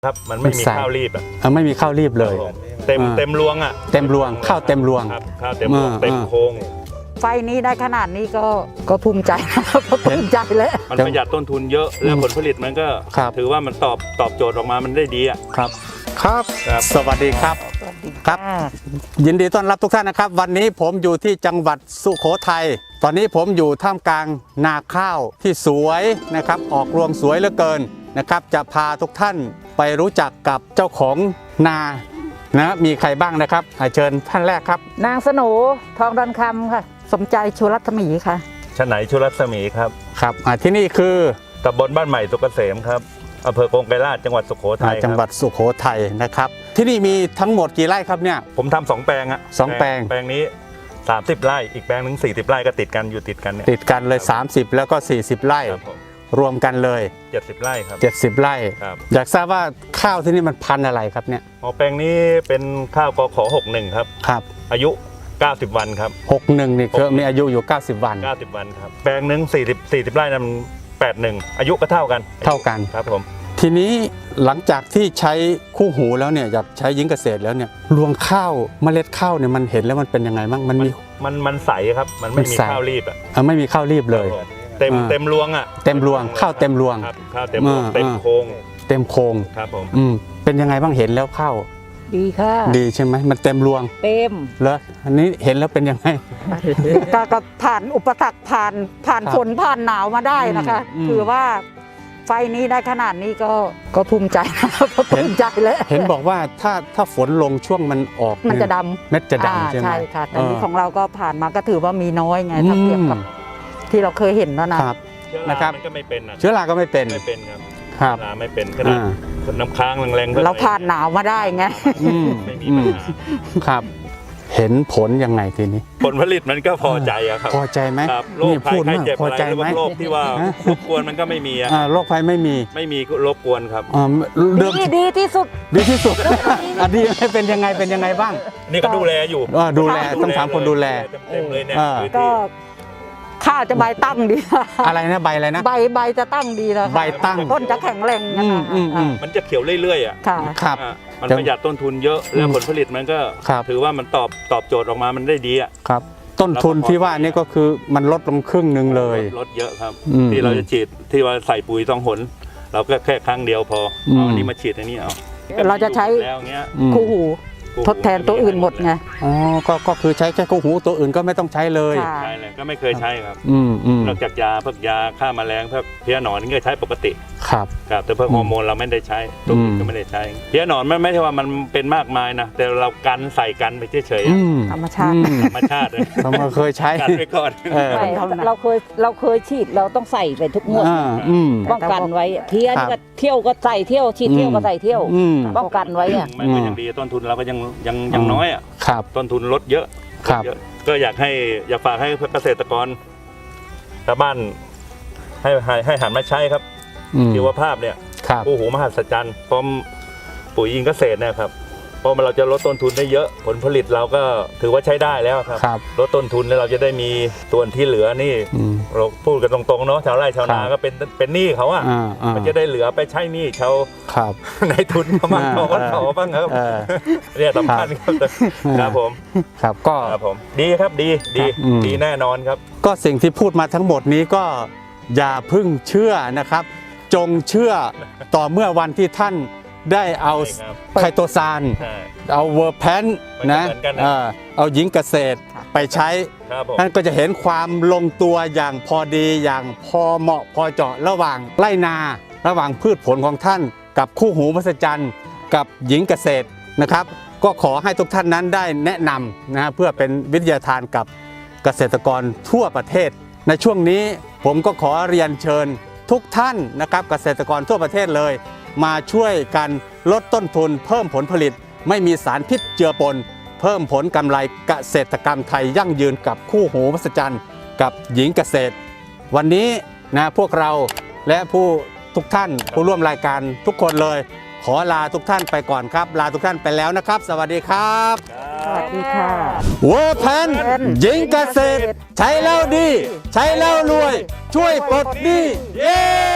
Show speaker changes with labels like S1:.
S1: ครับมันไม่มีข้าวรีบ
S2: ไม่มีข้าวรีบเลย
S1: เต็มรวง
S2: เต็มรวงข้าวเต็มรวง
S1: ข้าวเต็มรวงเต็มโค้ง
S3: ไฟนี้ได้ขนาดนี้ก็ภูมิใจภูมิใจแล้ว
S1: มันประหยัดต้นทุนเยอะแล้วผลผลิตมันก็ถือว่ามันตอบโจทย์ออกมามันได้ดี
S2: ครับสวัสดีครับครับยินดีต้อนรับทุกท่านนะครับวันนี้ผมอยู่ที่จังหวัดสุโขทัยตอนนี้ผมอยู่ท่ามกลางนาข้าวที่สวยนะครับออกรวงสวยเหลือเกินนะครับจะพาทุกท่านไปรู้จักกับเจ้าของนานะมีใครบ้างนะครับเชิญท่านแรกครับ
S3: นางสโหนทองดอนคำค่ะสมใจชูรัตมีค่ะ
S1: ชไหนชูรัตมีครับ
S2: ครับที่นี่คือ
S1: ตำบลบ้านใหม่สุกเกษมครับอำเภอกงไกรลาษฎร์จังหวัดสุโขทัย
S2: จังหวัดสุโขทัยนะครับที่นี่มีทั้งหมดกี่ไร่ครับเนี่ย
S1: ผมทำ2 แปลง
S2: 2 แปลง
S1: นี้30 ไร่อีกแปลงนึง40 ไร่ก็ติดกันเนี่ย
S2: ติดกันเลย30แล้วก็40 ไร่รวมกันเลย
S1: 70 ไร่ครับ
S2: 70 ไร่อยากทราบว่าข้าวที่นี่มันพันธุ์อะไรครับเนี่ย
S1: แปลงนี้เป็นข้าวกข61ครับอายุ90 วันครับ
S2: 61นี่คือมีอายุอยู่90 วัน
S1: ครับแปลงนึง40 ไร่นั้น81อายุก็เท่ากันครับผม
S2: ทีนี้หลังจากที่ใช้คู่หูแล้วเนี่ยอยากใช้ยิงเกษตรแล้วเนี่ยรวงข้าวเมล็ดข้าวเนี่ยมันเห็นแล้วมันเป็นยังไงบ้าง
S1: มันใสครับมันไม่มีข้าวรีบ
S2: ไม่มีข้าวรีบเลย
S1: เต็มรวง
S2: เต็มรวงข้าวเต็มรวง
S1: ข้าวเต็มรวงเต็มโค้งครับผม
S2: เป็นยังไงบ้างเห็นแล้วข้าว
S3: ดีค่ะ
S2: ดีใช่ไหมมันเต็มรวง
S3: เต็ม
S2: แล้วอันนี้เห็นแล้วเป็นยังไง
S3: ก็ผ่านอุปสรรคผ่านฝนผ่านหนาวมาได้นะคะถือว่าไฟนี้ได้ขนาดนี้ก็ภูมิใจภูมิใจแล้ว
S2: เห็นบอกว่าถ้าฝนลงช่วงมันออก
S3: มันจะดำ
S2: เม็ดจะดำใช่ไหม
S3: ใช่ค่ะแต่นี้ของเราก็ผ่านมาก็ถือว่ามีน้อยไงถ้าเทียบกับที่เราเคยเห็นแล้วนะครับ
S1: มันก็ไม่เป็น
S2: เชื้อราก็ไม่เป็น
S1: ครับไม่เป็นขนาดน้ำค้างแรง
S3: ๆเราผ่านหนาวมาได้ไง
S1: ไม่มีปัญหา
S2: ครับเห็นผลยังไงทีนี้
S1: ผลผลิตมันก็พอใจครับ
S2: พอใจไหม
S1: โรคภัยไข้เจ็บอะไรโรคที่ว่ารบกวนมันก็ไม่มี
S2: โรคภัยไม่
S1: มีรบกวนครับ
S3: ดีที่สุด
S2: ดีเป็นยังไงบ้าง
S1: นี่ก็ดูแลอยู่
S2: ดูแลต้องถามคนดูแล
S1: เต็มเลยเนี่ย
S3: ก็ข้าวจะใบตั้งดี
S2: อะไรนะใบอะไรนะ
S3: ใบจะตั้งดีแล้ว
S2: ใบตั้ง
S3: ต้นจะแข็งแรง
S1: มันจะเขียวเรื่อย
S2: ๆครับ
S1: มันประหยัดต้นทุนเยอะแล้วผลผลิตมันก็ถือว่ามันตอบโจทย์ออกมามันได้ดี
S2: ครับต้นทุนที่ว่านี่ก็คือมันลดลงครึ่งนึงเลย
S1: ลดเยอะครับที่เราจะฉีดที่ว่าใส่ปุ๋ยต้องหนเราก็แค่ครั้งเดียวพออันนี้มาฉีดอันนี้
S3: เราจะใช้คู่หูทดแทนตัวอื่นหมดไง
S2: ก็คือใช้แค่คู่หูตัวอื่นก็ไม่ต้องใช้เลย
S1: ใช่เลยก็ไม่เคยใช้ครับนอกจากยาพวกยาฆ่าแมลงพวกเพี้ยหนอนนี่ก็ใช้ปกติ
S2: ครับ
S1: แต่พวกฮอร์โมนเราไม่ได้ใช้ตัวอื่นก็ไม่ได้ใช้เพี้ยหนอนไม่ใช่ว่ามันเป็นมากมายนะแต่เราใส่กันไปเฉย
S3: ๆธรรมชาติ
S2: เราเคยใช้
S1: กันไปก่อน
S3: เราเคยฉีดเราต้องใส่ไปทุกงวดป้องกันไว้เพี้ยก็เที่ยวก็ใส่เที่ยวฉีดเที่ยวก็ใส่เที่ยวป้องกันไว้
S1: มันก็ยังดีต้นทุนเราก็ยังน้อยต้นทุนลดเยอะก็อยากฝากให้เกษตรกรชาวบ้านให้หันมาใช้ครับชีวภาพเนี่ยคู่หูมหัศจรรย์พร้อมปุ๋ยอินเกษตรเนี่ยครับเพราะเราจะลดต้นทุนได้เยอะผลผลิตเราก็ถือว่าใช้ได้แล้วครับลดต้นทุนแล้วเราจะได้มีส่วนที่เหลือนี่เราพูดกันตรงๆเนาะชาวไร่ชาวนาก็เป็นหนี้เขามันจะได้เหลือไปใช้หนี้ชาวในทุนเขาบ้างเขาบ้างครับเนี่ยสำคัญครับผม
S2: ครับก็
S1: ผมดีครับดีแน่นอนครับ
S2: ก็สิ่งที่พูดมาทั้งหมดนี้ก็อย่าพึ่งเชื่อนะครับจงเชื่อต่อเมื่อวันที่ท่านได้เอาไคโตซานเอาเวอร์แพนนะเอาหญิงเกษตรไปใช้นั่นก็จะเห็นความลงตัวอย่างพอดีอย่างพอเหมาะพอเจาะระหว่างไร่นาระหว่างพืชผลของท่านกับคู่หูมหัศจรรย์กับหญิงเกษตรนะครับก็ขอให้ทุกท่านนั้นได้แนะนำนะเพื่อเป็นวิทยาทานกับเกษตรกรทั่วประเทศในช่วงนี้ผมก็ขอเรียนเชิญทุกท่านนะครับเกษตรกรทั่วประเทศเลยมาช่วยกันลดต้นทุนเพิ่มผลผลิตไม่มีสารพิษเจือปนเพิ่มผลกำไรเกษตรกรรมไทยยั่งยืนกับคู่หูมหัศจรรย์กับหญิงเกษตรวันนี้นะพวกเราและทุกท่านผู้ร่วมรายการทุกคนเลยขอลาทุกท่านไปก่อนครับลาทุกท่านไปแล้วนะครับสวัสดีครับ
S3: สวัสดีค่ะ
S2: เวอร์แพนหญิงเกษตรใช้แล้วดีใช้แล้วรวยช่วยปลดหนี้เย้